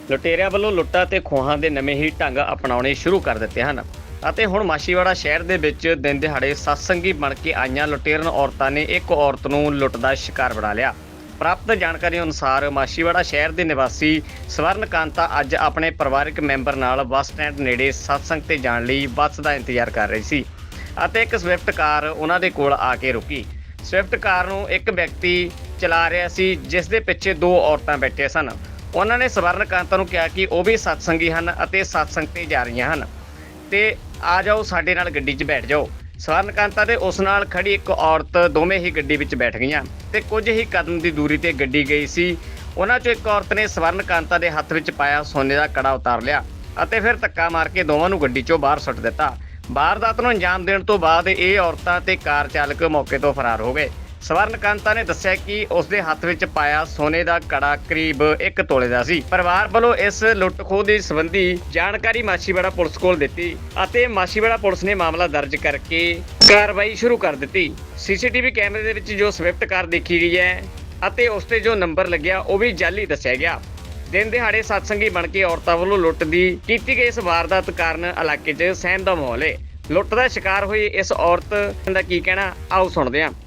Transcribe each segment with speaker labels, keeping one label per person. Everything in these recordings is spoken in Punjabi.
Speaker 1: ਲੁਟੇਰਿਆਂ ਵੱਲੋਂ ਲੁੱਟਾਂ ਤੇ ਖੋਹਾਂ ਦੇ ਨਵੇਂ ਹੀ ਢੰਗ ਅਪਣਾਉਣੇ ਸ਼ੁਰੂ ਕਰ ਦਿੱਤੇ ਹਨ ਅਤੇ ਹੁਣ ਮਾਛੀਵਾੜਾ ਸ਼ਹਿਰ ਦੇ ਵਿੱਚ ਦਿਨ ਦਿਹਾੜੇ ਸਤਸੰਗੀ ਬਣ ਕੇ ਆਈਆਂ ਲੁਟੇਰਨ ਔਰਤਾਂ ਨੇ ਇੱਕ ਔਰਤ ਨੂੰ ਲੁੱਟ ਦਾ ਸ਼ਿਕਾਰ ਬਣਾ ਲਿਆ। ਪ੍ਰਾਪਤ ਜਾਣਕਾਰੀ ਅਨੁਸਾਰ ਮਾਛੀਵਾੜਾ ਸ਼ਹਿਰ ਦੇ ਨਿਵਾਸੀ ਸਵਰਨ ਕਾਂਤਾ ਅੱਜ ਆਪਣੇ ਪਰਿਵਾਰਕ ਮੈਂਬਰ ਨਾਲ ਬੱਸ ਸਟੈਂਡ ਨੇੜੇ ਸਤਸੰਗ ਤੇ ਜਾਣ ਲਈ ਬੱਸ ਦਾ ਇੰਤਜ਼ਾਰ ਕਰ ਰਹੀ ਸੀ ਅਤੇ ਇੱਕ ਸਵਿਫਟ ਕਾਰ ਉਹਨਾਂ ਦੇ ਕੋਲ ਆ ਕੇ ਰੁਕੀ। ਸਵਿਫਟ ਕਾਰ ਨੂੰ ਇੱਕ ਵਿਅਕਤੀ ਚਲਾ ਰਿਹਾ ਸੀ ਜਿਸ ਦੇ ਪਿੱਛੇ ਦੋ ਔਰਤਾਂ ਬੈਠੀਆਂ ਸਨ। ਉਹਨਾਂ ਨੇ ਸਵਰਨ ਕਾਂਤਾ ਨੂੰ ਕਿਹਾ ਕਿ ਉਹ ਵੀ ਸਤਸੰਗੀ ਹਨ ਅਤੇ ਸਤਸੰਗ ਤੇ ਜਾ ਰਹੀਆਂ ਹਨ ਤੇ ਆ ਜਾਓ ਸਾਡੇ ਨਾਲ ਗੱਡੀ 'ਚ ਬੈਠ ਜਾਓ। ਸਵਰਨ ਕਾਂਤਾ ਤੇ ਉਸ ਨਾਲ ਖੜੀ ਇੱਕ ਔਰਤ ਦੋਵੇਂ ਹੀ ਗੱਡੀ ਵਿੱਚ ਬੈਠ ਗਈਆਂ ਤੇ ਕੁਝ ਹੀ ਕਦਮ ਦੀ ਦੂਰੀ ਤੇ ਗੱਡੀ ਗਈ ਸੀ। ਉਹਨਾਂ 'ਚੋਂ ਇੱਕ ਔਰਤ ਨੇ ਸਵਰਨ ਕਾਂਤਾ ਦੇ ਹੱਥ ਵਿੱਚ ਪਾਇਆ ਸੋਨੇ ਦਾ ਕੜਾ ਉਤਾਰ ਲਿਆ ਅਤੇ ਫਿਰ ਧੱਕਾ ਮਾਰ ਕੇ ਦੋਵਾਂ ਨੂੰ ਗੱਡੀ 'ਚੋਂ ਬਾਹਰ ਸੁੱਟ ਦਿੱਤਾ। ਵਾਰਦਾਤ ਨੂੰ ਅੰਜਾਮ ਦੇਣ ਤੋਂ ਬਾਅਦ ਇਹ ਔਰਤਾਂ ਤੇ ਕਾਰ ਚਾਲਕ ਮੌਕੇ ਤੋਂ ਫਰਾਰ ਹੋ ਗਏ। ਸਵਰਨ ਕਾਂਤਾ ਨੇ ਦੱਸਿਆ ਕਿ ਉਸ ਦੇ ਹੱਥ ਵਿੱਚ ਪਾਇਆ ਸੋਨੇ ਦਾ ਕੜਾ ਕਰੀਬ 1 ਤੋਲੇ ਦਾ ਸੀ। ਪਰਿਵਾਰ ਵੱਲੋਂ ਇਸ ਲੁੱਟ ਖੋਹ ਦੇ ਸੰਬੰਧੀ ਜਾਣਕਾਰੀ ਮਾਛੀਵਾੜਾ ਪੁਲਿਸ ਕੋਲ ਦਿੱਤੀ ਅਤੇ ਮਾਛੀਵਾੜਾ ਪੁਲਿਸ ਨੇ ਮਾਮਲਾ ਦਰਜ ਕਰਕੇ ਕਾਰਵਾਈ ਸ਼ੁਰੂ ਕਰ ਦਿੱਤੀ। ਸੀਸੀਟੀਵੀ ਕੈਮਰੇ ਦੇ ਵਿੱਚ ਜੋ ਸਵਿਫਟ ਕਾਰ ਦੇਖੀ ਗਈ ਹੈ ਅਤੇ ਉਸ ਤੇ ਜੋ ਨੰਬਰ ਲੱਗਿਆ ਉਹ ਵੀ ਜਾਲੀ ਦੱਸਿਆ ਗਿਆ। ਦਿਨ ਦਿਹਾੜੇ ਸਤਸੰਗੀ ਬਣ ਕੇ ਔਰਤਾਂ ਵੱਲੋਂ ਲੁੱਟ ਦੀ ਕੀਤੀ ਗਈ ਇਸ ਵਾਰਦਾਤ ਕਾਰਨ ਇਲਾਕੇ 'ਚ ਸਹਿਮ ਦਾ ਮਾਹੌਲ ਹੈ। ਲੁੱਟ ਦਾ ਸ਼ਿਕਾਰ ਹੋਈ ਇਸ ਔਰਤ ਦਾ ਕੀ ਕਹਿਣਾ ਆਓ ਸੁਣਦੇ ਹਾਂ।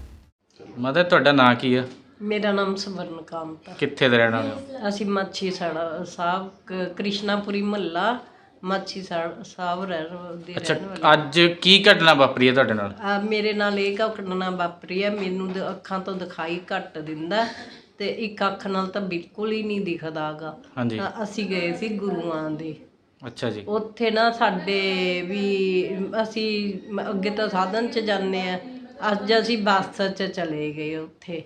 Speaker 2: ਮਦਰ ਤੁਹਾਡਾ ਨਾਂ ਕੀ ਆ?
Speaker 3: ਮੇਰਾ ਨਾਮ ਸਵਰਨ ਕਾਂਤ ਆ।
Speaker 2: ਕਿੱਥੇ ਦੇ ਰਹਿਣ ਵਾਲੇ ਹੋ?
Speaker 3: ਅਸੀਂ ਮਾਛੀ ਸਾਹਿਬ ਕ੍ਰਿਸ਼ਨਾਪੁਰੀ ਮਹੱਲਾ ਮਾਛੀ ਸਾਹਿਬ ਦੇ
Speaker 2: ਅੱਛਾ,
Speaker 3: ਰਹਿਣ ਵਾਲੇ।
Speaker 2: ਅੱਜ ਕੀ ਘਟਨਾ ਵਾਪਰੀ ਹੈ ਤੁਹਾਡੇ ਨਾਲ?
Speaker 3: ਮੇਰੇ ਨਾਲ ਇਹ ਘਟਨਾ ਵਾਪਰੀ ਹੈ। ਮੈਨੂੰ ਅੱਖਾਂ ਤੋਂ ਦਿਖਾਈ ਘੱਟ ਦਿੰਦਾ ਤੇ ਇੱਕ ਅੱਖ ਨਾਲ ਤਾਂ ਬਿਲਕੁਲ ਹੀ ਨਹੀਂ ਦਿਖਦਾ ਗਾ।
Speaker 2: ਹਾਂਜੀ।
Speaker 3: ਅਸੀਂ ਗਏ ਸੀ ਗੁਰੂਆਂ ਦੇ।
Speaker 2: ਅੱਛਾ ਜੀ।
Speaker 3: ਉੱਥੇ ਨਾ ਸਾਡੇ ਵੀ ਅਸੀਂ ਅੱਗੇ ਤਾਂ ਸਾਧਨ 'ਚ ਜਾਂਦੇ ਆ, ਅੱਜ ਅਸੀਂ ਬੱਸ 'ਚ ਚਲੇ ਗਏ। ਉੱਥੇ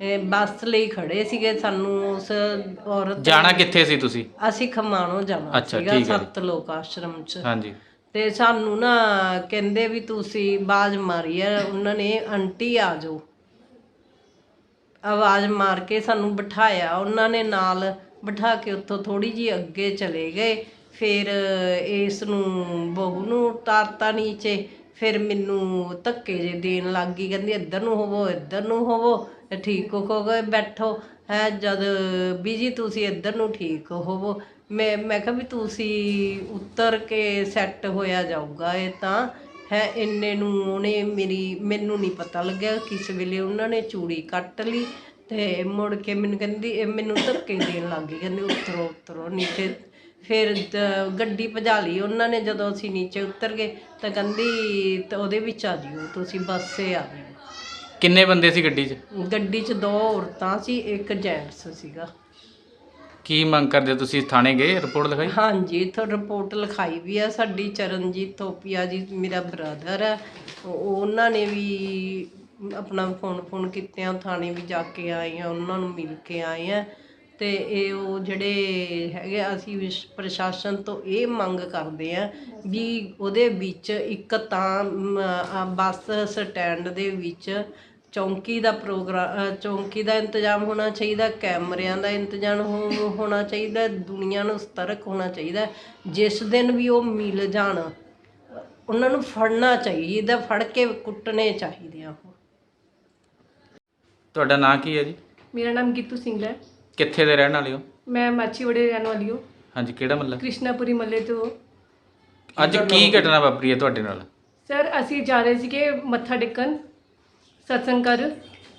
Speaker 3: ਬੱਸ ਲਈ ਖੜੇ ਸੀਗੇ। ਸਾਨੂੰ ਉਸ ਔਰਤ
Speaker 2: ਜਾਣਾ ਕਿੱਥੇ ਸੀ ਤੁਸੀਂ?
Speaker 3: ਅਸੀਂ ਖਮਾਣੋਂ ਜਾਣਾ
Speaker 2: ਅੱਛਾ,
Speaker 3: ਸੀਗਾ
Speaker 2: ਠੀਕ ਹੈ ਜੀ।
Speaker 3: ਸੱਤ ਲੋਕ ਆਸ਼ਰਮ 'ਚ।
Speaker 2: ਹਾਂਜੀ।
Speaker 3: ਤੇ ਸਾਨੂੰ ਨਾ ਕਹਿੰਦੇ ਵੀ ਤੁਸੀਂ ਆਵਾਜ਼ ਮਾਰੀ ਹੈ ਉਹਨਾਂ ਨੇ, ਆਂਟੀ ਆ ਜਾਓ। ਆਵਾਜ਼ ਮਾਰ ਕੇ ਸਾਨੂੰ ਬਿਠਾਇਆ ਉਹਨਾਂ ਨੇ, ਨਾਲ ਬਿਠਾ ਕੇ ਉੱਥੋਂ ਥੋੜੀ ਜਿਹੀ ਅੱਗੇ ਚਲੇ ਗਏ। ਫਿਰ ਇਸ ਨੂੰ ਬਹੂ ਨੂੰ ਉਤਾਰਤਾ ਨੀਚੇ। ਫਿਰ ਮੈਨੂੰ ਧੱਕੇ ਜੇ ਦੇਣ ਲੱਗ ਗਈ, ਕਹਿੰਦੀ ਇੱਧਰ ਨੂੰ ਹੋਵੋ, ਇੱਧਰ ਨੂੰ ਹੋਵੋ, ਠੀਕ ਹੋ ਗਏ ਬੈਠੋ ਹੈ। ਜਦ ਵੀ ਜੀ ਤੁਸੀਂ ਇੱਧਰ ਨੂੰ ਠੀਕ ਹੋਵੋ। ਮੈਂ ਕਿਹਾ ਵੀ ਤੁਸੀਂ ਉਤਰ ਕੇ ਸੈੱਟ ਹੋਇਆ ਜਾਊਗਾ ਇਹ ਤਾਂ ਹੈ। ਇੰਨੇ ਨੂੰ ਉਹਨੇ ਮੈਨੂੰ ਨਹੀਂ ਪਤਾ ਲੱਗਿਆ ਕਿਸ ਵੇਲੇ ਉਹਨਾਂ ਨੇ ਚੂੜੀ ਕੱਟ ਲਈ ਤੇ ਮੁੜ ਕੇ ਮੈਨੂੰ ਕਹਿੰਦੀ, ਮੈਨੂੰ ਧੱਕੇ ਦੇਣ ਲੱਗ ਗਈ, ਕਹਿੰਦੀ ਉਤਰੋ ਉਤਰੋ ਨੀਚੇ। ਫਿਰ ਗੱਡੀ ਭਜਾ ਲਈ ਉਹਨਾਂ ਨੇ। ਜਦੋਂ ਅਸੀਂ ਨੀਚੇ ਉਤਰ ਗਏ ਤਾਂ ਕਹਿੰਦੀ ਤਾਂ ਉਹਦੇ ਵਿੱਚ ਆ ਜਿਓ ਤੁਸੀਂ, ਬੱਸੇ ਆ ਜਿਓ।
Speaker 2: ਕਿੰਨੇ ਬੰਦੇ ਸੀ ਗੱਡੀ 'ਚ?
Speaker 3: ਗੱਡੀ 'ਚ 2 ਔਰਤਾਂ ਸੀ, ਇੱਕ ਜੈਂਟਸ ਸੀਗਾ।
Speaker 2: ਕੀ ਮੰਗ ਕਰਦੇ ਹੋ ਤੁਸੀਂ? ਥਾਣੇ ਗਏ, ਰਿਪੋਰਟ ਲਿਖਾਈ?
Speaker 3: ਹਾਂਜੀ, ਇੱਥੋਂ ਰਿਪੋਰਟ ਲਿਖਾਈ ਵੀ ਆ। ਸਾਡੀ ਚਰਨਜੀਤ ਥੋਪੀਆ ਜੀ ਮੇਰਾ ਬ੍ਰਦਰ ਹੈ, ਉਹਨਾਂ ਨੇ ਵੀ ਆਪਣਾ ਫੋਨ ਕੀਤੇ ਆ। ਥਾਣੇ ਵੀ ਜਾ ਕੇ ਆਏ ਆ, ਉਹਨਾਂ ਨੂੰ ਮਿਲ ਕੇ ਆਏ ਆ। ਤੇ ਇਹ ਉਹ ਜਿਹੜੇ ਹੈਗੇ, ਅਸੀਂ ਪ੍ਰਸ਼ਾਸਨ ਤੋਂ ਇਹ ਮੰਗ ਕਰਦੇ ਆ ਵੀ ਉਹਦੇ ਵਿੱਚ ਇੱਕ ਤਾਂ ਬੱਸ ਸਟੈਂਡ ਦੇ ਵਿੱਚ ਚੌਂਕੀ ਦਾ ਚੌਂਕੀ ਦਾ ਇੰਤਜ਼ਾਮ ਹੋਣਾ ਚਾਹੀਦਾ, ਕੈਮਰਿਆਂ ਦਾ ਇੰਤਜ਼ਾਮ ਹੋਣਾ ਚਾਹੀਦਾ, ਦੁਨੀਆ ਨੂੰ ਸਤਰਕ ਹੋਣਾ ਚਾਹੀਦਾ। ਜਿਸ ਦਿਨ ਵੀ ਉਹ ਮਿਲ ਜਾਣ ਉਹਨਾਂ ਨੂੰ ਫੜਨਾ ਚਾਹੀਦਾ, ਫੜ ਕੇ ਕੁੱਟਣੇ ਚਾਹੀਦੇ ਆ। ਉਹ
Speaker 2: ਤੁਹਾਡਾ ਨਾਂ ਕੀ ਹੈ ਜੀ?
Speaker 4: ਮੇਰਾ ਨਾਮ ਗੀਤੂ ਸਿੰਘ ਹੈ।
Speaker 2: ਕਿੱਥੇ ਦੇ ਰਹਿਣ ਵਾਲੇ ਹੋ?
Speaker 4: ਮੈਂ ਮਾਛੀਵਾੜੇ ਰਹਿਣ ਵਾਲੀ ਹਾਂ।
Speaker 2: ਹਾਂਜੀ, ਕਿਹੜਾ ਮਹੱਲਾ?
Speaker 4: ਕ੍ਰਿਸ਼ਨਾਪੁਰੀ ਮਹੱਲੇ ਤੋਂ।
Speaker 2: ਅੱਜ ਕੀ ਘਟਨਾ ਵਾਪਰੀ ਹੈ ਤੁਹਾਡੇ ਨਾਲ?
Speaker 4: ਸਰ ਅਸੀਂ ਜਾ ਰਹੇ ਸੀਗੇ ਮੱਥਾ ਟੇਕਣ ਸਤਸੰਗ ਕਰ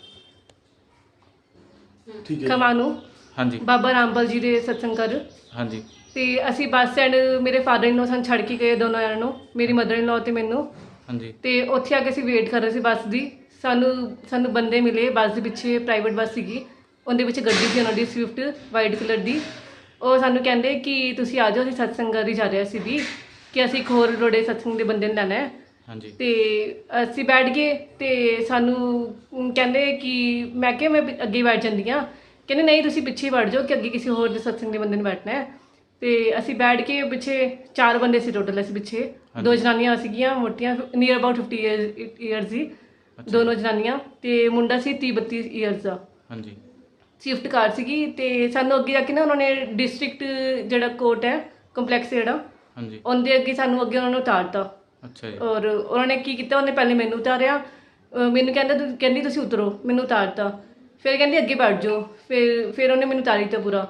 Speaker 4: ਖਮਾਣੋਂ।
Speaker 2: ਹਾਂਜੀ।
Speaker 4: ਬਾਬਾ ਰਾਮਪਾਲ ਜੀ ਦੇ ਸਤਸੰਗ ਕਰ।
Speaker 2: ਹਾਂਜੀ।
Speaker 4: ਤੇ ਅਸੀਂ ਬੱਸ ਸਟੈਂਡ, ਮੇਰੇ ਫਾਦਰ ਇਨ ਲੋ ਸਾਨੂੰ ਛੱਡ ਕੇ ਗਏ ਦੋਨੋਂ ਜਣਿਆਂ ਨੂੰ, ਮੇਰੀ ਮਦਰ ਇਨ ਲੋ ਤੇ ਮੈਨੂੰ।
Speaker 2: ਹਾਂਜੀ।
Speaker 4: ਤੇ ਉੱਥੇ ਆ ਕੇ ਅਸੀਂ ਵੇਟ ਕਰ ਰਹੇ ਸੀ ਬੱਸ ਦੀ। ਸਾਨੂੰ ਬੰਦੇ ਮਿਲੇ ਬੱਸ ਦੇ ਪਿੱਛੇ, ਪ੍ਰਾਈਵੇਟ ਬੱਸ ਸੀਗੀ, ਉਹਦੇ ਵਿੱਚ ਗੱਡੀ ਸੀ ਉਹਨਾਂ ਦੀ ਸਵਿਫਟ ਵਾਈਟ ਕਲਰ ਦੀ। ਉਹ ਸਾਨੂੰ ਕਹਿੰਦੇ ਕਿ ਤੁਸੀਂ ਆ ਜਾਓ, ਅਸੀਂ ਸਤਸੰਗ ਕਰ ਹੀ ਜਾ ਰਹੇ ਸੀ ਵੀ, ਕਿ ਅਸੀਂ ਇੱਕ ਹੋਰ ਰੋੜੇ ਸਤਸੰਗ ਦੇ ਬੰਦੇ ਨੂੰ ਲੈਣਾ ਹੈ।
Speaker 2: ਹਾਂਜੀ।
Speaker 4: ਤੇ ਅਸੀਂ ਬੈਠ ਗਏ ਤੇ ਸਾਨੂੰ ਕਹਿੰਦੇ ਕਿ ਮੈਂ ਕਿਹਾ ਮੈਂ ਅੱਗੇ ਬੈਠ ਜਾਂਦੀ ਹਾਂ। ਕਹਿੰਦੇ ਨਹੀਂ ਤੁਸੀਂ ਪਿੱਛੇ ਬੈਠ ਜਾਓ ਕਿ ਅੱਗੇ ਕਿਸੇ ਹੋਰ ਦੇ ਸਤਸੰਗ ਦੇ ਬੰਦੇ ਨੂੰ ਬੈਠਣਾ ਹੈ। ਤੇ ਅਸੀਂ ਬੈਠ ਕੇ ਪਿੱਛੇ 4 ਬੰਦੇ ਸੀ ਟੋਟਲ। ਅਸੀਂ ਪਿੱਛੇ 2 ਜਨਾਨੀਆਂ ਸੀਗੀਆਂ ਮੋਟੀਆਂ, ਨੀਅਰ ਅਬਾਊਟ 50 ਈਅਰਸ ਦੀ ਦੋਨੋਂ ਜਨਾਨੀਆਂ, ਤੇ ਮੁੰਡਾ ਸੀ 30-32 ਈਅਰਸ ਦਾ।
Speaker 2: ਹਾਂਜੀ।
Speaker 4: ਸਵਿਫਟ ਕਾਰ ਸੀਗੀ। ਤੇ ਸਾਨੂੰ ਅੱਗੇ ਜਾ ਕੇ ਨਾ ਉਹਨਾਂ ਨੇ ਡਿਸਟ੍ਰਿਕਟ ਜਿਹੜਾ ਕੋਰਟ ਹੈ ਕੰਪਲੈਕਸ ਜਿਹੜਾ,
Speaker 2: ਹਾਂਜੀ,
Speaker 4: ਉਹਦੇ ਅੱਗੇ ਸਾਨੂੰ ਅੱਗੇ ਉਹਨਾਂ ਨੂੰ ਉਤਾਰਤਾ।
Speaker 2: ਅੱਛਾ ਜੀ।
Speaker 4: ਔਰ ਉਹਨਾਂ ਨੇ ਕੀ ਕੀਤਾ, ਉਹਨੇ ਪਹਿਲੇ ਮੈਨੂੰ ਉਤਾਰਿਆ, ਮੈਨੂੰ ਕਹਿੰਦੀ ਤੁਸੀਂ ਉਤਰੋ, ਮੈਨੂੰ ਉਤਾਰਤਾ। ਫਿਰ ਕਹਿੰਦੀ ਅੱਗੇ ਬੈਠ ਜਾਓ। ਫਿਰ ਉਹਨੇ ਮੈਨੂੰ ਉਤਾਰੀ ਦਿੱਤਾ ਪੂਰਾ।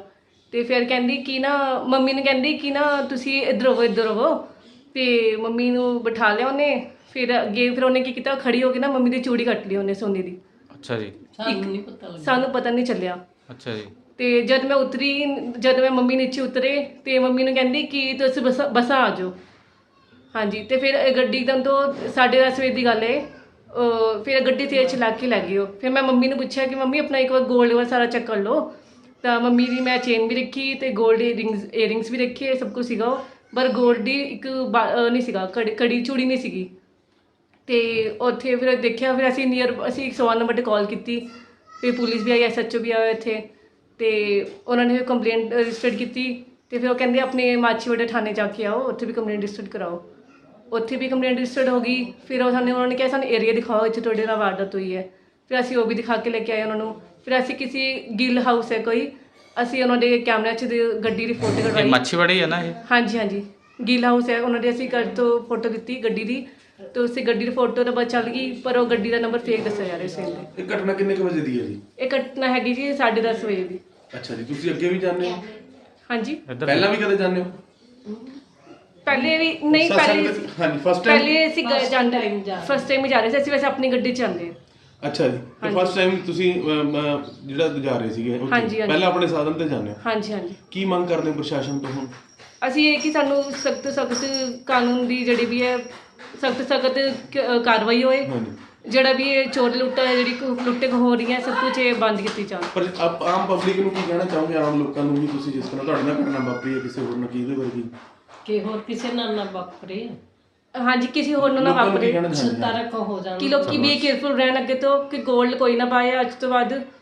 Speaker 4: ਤੇ ਫਿਰ ਕਹਿੰਦੀ ਕਿ ਨਾ ਮੰਮੀ ਨੂੰ ਕਹਿੰਦੀ ਕਿ ਨਾ ਤੁਸੀਂ ਇੱਧਰ ਹੋਵੋ ਤੇ ਮੰਮੀ ਨੂੰ ਬਿਠਾ ਲਿਆ ਉਹਨੇ। ਫਿਰ ਅੱਗੇ ਫਿਰ ਉਹਨੇ ਕੀ ਕੀਤਾ, ਖੜੀ ਹੋ ਕੇ ਨਾ ਮੰਮੀ ਦੀ ਚੂੜੀ ਕੱਟ ਲਈ ਉਹਨੇ ਸੋਨੇ ਦੀ।
Speaker 2: ਅੱਛਾ ਜੀ।
Speaker 4: ਸਾਨੂੰ ਪਤਾ ਨਹੀਂ ਚੱਲਿਆ।
Speaker 2: ਅੱਛਾ ਜੀ।
Speaker 4: ਤੇ ਜਦ ਮੈਂ ਮੰਮੀ ਨੀਚੇ ਉਤਰੇ ਤੇ ਮੰਮੀ ਨੂੰ ਕਹਿੰਦੀ ਕਿ ਤੁਸੀਂ ਬਸਾਂ ਆ ਜਾਓ। ਹਾਂਜੀ, ਤੇ ਫਿਰ ਗੱਡੀ ਇੱਕਦਮ ਤੋਂ 10:30 ਵਜੇ ਦੀ ਗੱਲ ਹੈ। ਫਿਰ ਗੱਡੀ ਤੇਜ਼ ਚਲਾ ਕੇ ਲੈ ਗਈ ਉਹ। ਫਿਰ ਮੈਂ ਮੰਮੀ ਨੂੰ ਪੁੱਛਿਆ ਕਿ ਮੰਮੀ ਆਪਣਾ ਇੱਕ ਵਾਰ ਗੋਲਡ ਵਾਲਾ ਸਾਰਾ ਚੈੱਕ ਕਰ ਲਓ। ਤਾਂ ਮੰਮੀ ਦੀ ਮੈਂ ਚੇਨ ਵੀ ਰੱਖੀ ਤੇ ਗੋਲਡ ਏਅਰਿੰਗਸ ਵੀ ਰੱਖੇ, ਸਭ ਕੁਝ ਸੀਗਾ। ਪਰ ਗੋਲਡ ਦੀ ਇੱਕ ਨਹੀਂ ਸੀਗਾ, ਕੜੀ ਚੂੜੀ ਨਹੀਂ ਸੀਗੀ। ਤੇ ਉੱਥੇ ਫਿਰ ਦੇਖਿਆ, ਫਿਰ ਅਸੀਂ 101 ਨੰਬਰ 'ਤੇ ਕਾਲ ਕੀਤੀ। ਫਿਰ ਪੁਲਿਸ ਵੀ ਆਈ, SHO ਵੀ ਆਇਆ ਇੱਥੇ। ਤੇ ਉਹਨਾਂ ਨੇ ਕੰਪਲੇਂਟ ਰਜਿਸਟਰ ਕੀਤੀ। ਤੇ ਫਿਰ ਉਹ ਕਹਿੰਦੇ ਆਪਣੇ ਮਾਛੀਵਾੜਾ ਥਾਣੇ ਜਾ ਕੇ ਆਓ, ਉੱਥੇ ਵੀ ਕੰਪਲੇਂਟ ਰਜਿਸਟਰ ਕਰਾਓ। ਉੱਥੇ ਵੀ ਕੰਪਲੇਂਟ ਰਜਿਸਟਰਡ ਹੋ ਗਈ। ਫਿਰ ਉਹਨਾਂ ਨੇ ਕਿਹਾ ਸਾਨੂੰ ਏਰੀਆ ਦਿਖਾਓ ਇੱਥੇ ਤੁਹਾਡੇ ਨਾਲ ਵਾਰਦਾਤ ਹੋਈ ਹੈ। ਫਿਰ ਅਸੀਂ ਉਹ ਵੀ ਦਿਖਾ ਕੇ ਲੈ ਕੇ ਆਏ ਉਹਨਾਂ ਨੂੰ। ਫਿਰ ਅਸੀਂ ਕਿਸੇ ਗਿੱਲ ਹਾਊਸ ਹੈ ਕੋਈ, ਅਸੀਂ ਉਹਨਾਂ ਦੇ ਕੈਮਰਿਆਂ 'ਚ ਗੱਡੀ ਦੀ ਫੋਟੋ
Speaker 2: ਇਹ
Speaker 4: ਕਢਵਾਈ।
Speaker 2: ਮੱਛੀਵਾੜੀ ਹੈ ਨਾ ਇਹ?
Speaker 4: ਹਾਂਜੀ, ਗਿੱਲ ਹਾਊਸ ਹੈ। ਉਹਨਾਂ ਦੇ ਅਸੀਂ ਘਰ ਤੋਂ ਫੋਟੋ ਦਿੱਤੀ ਗੱਡੀ ਦੀ, ਤੇ ਉਸੇ ਗੱਡੀ ਦੀ ਫੋਟੋ ਤਾਂ ਬਸ ਚੱਲ ਗਈ, ਪਰ ਉਹ ਗੱਡੀ ਦਾ ਨੰਬਰ ਫੇਕ ਦੱਸਿਆ ਜਾ ਰਿਹਾ ਸੀ।
Speaker 5: ਇਹ ਘਟਨਾ ਕਿੰਨੇ ਕੁ ਵਜੇ ਦੀ ਹੈ ਜੀ?
Speaker 4: ਇਹ ਘਟਨਾ ਹੈਗੀ ਜੀ 10:30 ਵਜੇ ਦੀ।
Speaker 5: ਅੱਛਾ ਜੀ, ਤੁਸੀਂ ਅੱਗੇ ਵੀ ਜਾਂਦੇ ਹੋ?
Speaker 4: ਹਾਂਜੀ,
Speaker 2: ਇੱਧਰ
Speaker 5: ਪਹਿਲਾਂ ਵੀ ਕਦੇ ਜਾਂਦੇ ਹੋ?
Speaker 4: ਪਹਿਲੇ ਵੀ ਨਹੀਂ,
Speaker 5: ਹਾਂਜੀ, ਫਸਟ ਟਾਈਮ?
Speaker 4: ਪਹਿਲੇ ਅਸੀਂ ਜਾਂਦੇ ਫਸਟ ਟਾਈਮ ਹੀ ਜਾ ਰਹੇ ਸੀ ਅਸੀਂ, ਵੈਸੇ ਆਪਣੀ ਗੱਡੀ 'ਚ ਜਾਂਦੇ ਹਾਂ।
Speaker 5: ਅੱਛਾ ਜੀ, ਤੇ ਫਸਟ ਟਾਈਮ ਤੁਸੀਂ ਜਿਹੜਾ ਜਾ ਰਹੇ ਸੀਗੇ ਉੱਥੇ,
Speaker 4: ਹਾਂਜੀ।
Speaker 5: ਪਹਿਲਾਂ ਆਪਣੇ ਸਾਧਨ ਤੇ ਜਾਂਦੇ ਹੋ?
Speaker 4: ਹਾਂਜੀ।
Speaker 5: ਕੀ ਮੰਗ ਕਰਦੇ ਹੋ ਪ੍ਰਸ਼ਾਸਨ ਤੋਂ ਹੁਣ?
Speaker 4: ਅਸੀਂ ਇਹ ਕਿ ਸਾਨੂੰ ਸਖਤ ਕਾਨੂੰਨ ਦੀ ਜਿਹੜੀ ਵੀ ਹੈ ਸਖਤ ਕਾਰਵਾਈ ਹੋਏ।
Speaker 5: ਹਾਂਜੀ।
Speaker 4: ਜਿਹੜਾ ਵੀ ਇਹ ਚੋਰ ਲੁੱਟਾ ਹੈ, ਜਿਹੜੀ ਲੁੱਟੇ ਹੋ ਰਹੀ ਹੈ, ਸਭ ਕੁਝ ਇਹ ਬੰਦ ਕੀਤੀ ਜਾਵੇ।
Speaker 5: ਪਰ ਆਮ ਪਬਲਿਕ ਨੂੰ ਕੀ ਕਹਿਣਾ ਚਾਹੋਗੇ, ਆਮ ਲੋਕਾਂ ਨੂੰ ਵੀ? ਤੁਸੀਂ ਜਿਸ ਤਰ੍ਹਾਂ ਤੁਹਾਡੇ ਨਾਲ ਘਟਨਾ ਵਾਪਰੀ ਹੈ, ਕਿਸੇ ਹੋਰ ਨਾਲ ਕੀ ਇਹਦੇ ਵਰਗੀ?
Speaker 3: ਕਿ ਹੋਰ ਕਿਸੇ ਨਾਲ ਨਾ ਵਾਪਰੇ।
Speaker 4: ਹਾਂਜੀ, ਕਿਸੇ ਹੋਰ ਨੂੰ ਨਾ
Speaker 5: ਲੋਕਾਂ ਨੂੰ ਕੀ
Speaker 4: ਵਾਪਰੇ।
Speaker 5: ਕਹਿਣਾ ਚਾਹੁੰਦੇ ਹੋ?
Speaker 3: ਸਤਰਕ ਹੋ ਜਾਣ।
Speaker 4: ਕਿ ਲੋਕੀ ਵੀ ਕੇਅਰਫੁਲ ਰਹਿਣ ਅੱਗੇ ਤੋਂ, ਕਿ ਗੋਲਡ ਕੋਈ ਨਾ ਪਾਏ ਅੱਜ ਤੋਂ ਬਾਅਦ।